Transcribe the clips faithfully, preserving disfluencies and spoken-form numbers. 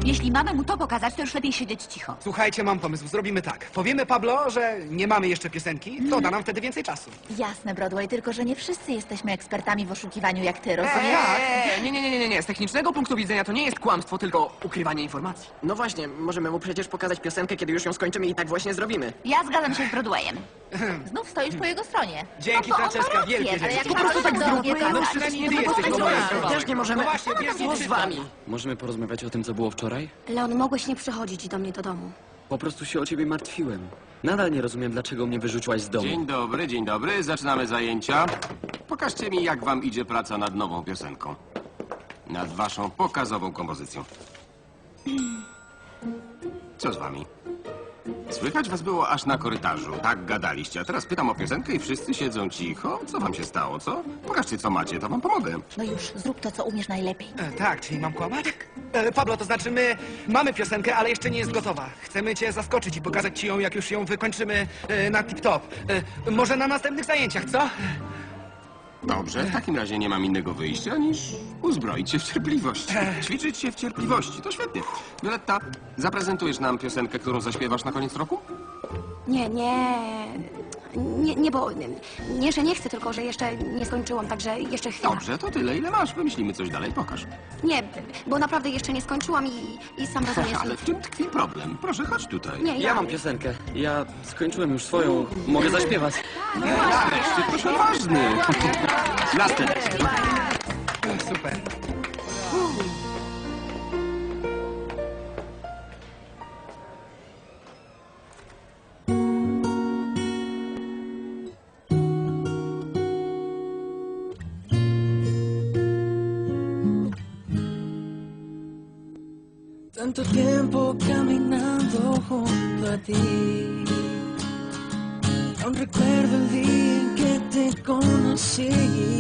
Jeśli mamy mu to pokazać, to już lepiej siedzieć cicho. Słuchajcie, mam pomysł. Zrobimy tak. Powiemy Pablo, że nie mamy jeszcze piosenki. To da nam wtedy więcej czasu. Jasne, Broadway, tylko że nie wszyscy jesteśmy ekspertami w oszukiwaniu jak ty, rozumiesz? Eee, nie, nie, nie, nie, nie. Z technicznego punktu widzenia to nie jest kłamstwo, tylko ukrywanie informacji. No właśnie, możemy mu przecież pokazać piosenkę, kiedy już ją skończymy i tak właśnie zrobimy. Ja zgadzam się z Broadwayem. Znów stoisz po jego stronie. Dzięki, no, bo on ma Franceska, rację, wielkie ale dzięki. jak Po prostu tak do zróbmy, mnie, to no, tak przynajmniej nie ty jesteś zobaczysz. po mojej Też nie możemy. No właśnie, wiesz, Co z wami? Możemy porozmawiać o tym, co było wczoraj? Leon, mogłeś nie przychodzić do mnie do domu. Po prostu się o ciebie martwiłem. Nadal nie rozumiem, dlaczego mnie wyrzuciłaś z domu. Dzień dobry, dzień dobry. Zaczynamy zajęcia. Pokażcie mi, jak wam idzie praca nad nową piosenką. Nad waszą pokazową kompozycją. Co z wami? Słychać was było aż na korytarzu. Tak gadaliście. A teraz pytam o piosenkę i wszyscy siedzą cicho. Co wam się stało, co? Pokażcie, co macie, to wam pomogę. No już, zrób to, co umiesz najlepiej. E, tak, czyli mam kłamać? E, Pablo, to znaczy my mamy piosenkę, ale jeszcze nie jest gotowa. Chcemy cię zaskoczyć i pokazać ci ją, jak już ją wykończymy e, na tip-top. E, może na następnych zajęciach, co? Dobrze, w takim razie nie mam innego wyjścia niż uzbroić się w cierpliwość. Ćwiczyć się w cierpliwości, to świetnie. Violetta, zaprezentujesz nam piosenkę, którą zaśpiewasz na koniec roku? Nie, nie... Nie, nie, bo... Nie, że nie chcę, tylko że jeszcze nie skończyłam, także jeszcze chwila. Dobrze, to tyle, ile masz. Wymyślimy coś dalej, pokaż. Nie, bo naprawdę jeszcze nie skończyłam i, i sam rozumiesz... Ale w czym tkwi problem? Proszę, chodź tutaj. Nie, ja... Ja mam piosenkę. Ja skończyłem już swoją. Mogę zaśpiewać. Nareszcie, ktoś odważny. Następny. E, super. Tanto tiempo caminando junto a ti. Aún recuerdo el día en que te conocí.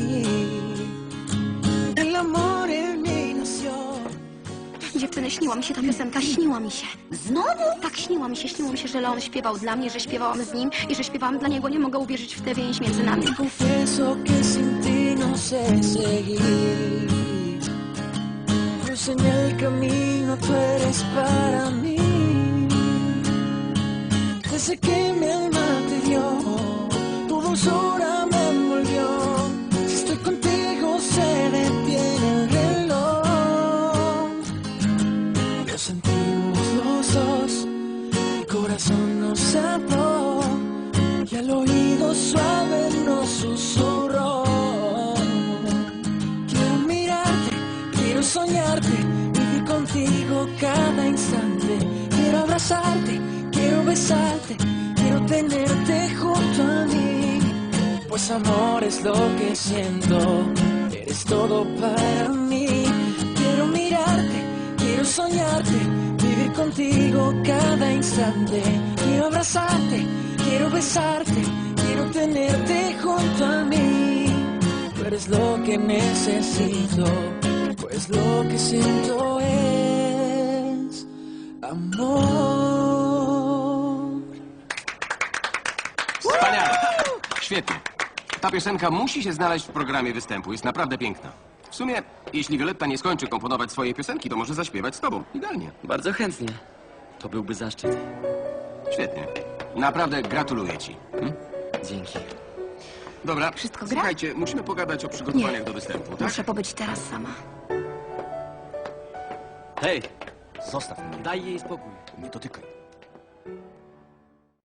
El amor en mí nació. Dziewczyny, śniła mi się ta piosenka, śniła mi się. Znowu? Tak, śniła mi się, śniło mi się, że Leon śpiewał dla mnie, że śpiewałam z nim i że śpiewałam dla niego. Nie mogę uwierzyć w tę więź między nami. Confieso que sin ti no sé seguir. Luz en el camino, tú eres para mí. Desde que mi alma te dio, tu dulzura me envolvió. Si estoy contigo se detiene el reloj. Lo sentimos los dos, mi corazón nos ató y al oído suave nos susurró. Quiero mirarte, quiero soñarte, vivir contigo cada instante. Quiero abrazarte, quiero besarte, quiero tenerte junto a mí. Pues amor es lo que siento, eres todo para mí. Quiero mirarte, quiero soñarte, vivir contigo cada instante. Quiero abrazarte, quiero besarte, quiero tenerte junto a mí. Tú eres lo que necesito, pues lo que siento es amor. Wspaniale. Świetnie. Ta piosenka musi się znaleźć w programie występu. Jest naprawdę piękna. W sumie, jeśli Violetta nie skończy komponować swojej piosenki, to może zaśpiewać z tobą. Idealnie. Bardzo chętnie. To byłby zaszczyt. Świetnie. Naprawdę gratuluję ci. Hm? Dzięki. Dobra, Wszystko gra? słuchajcie, musimy pogadać o przygotowaniach Nie. do występu, tak? Muszę pobyć teraz sama. Hej! Zostaw mnie. Daj jej spokój. Nie dotykaj.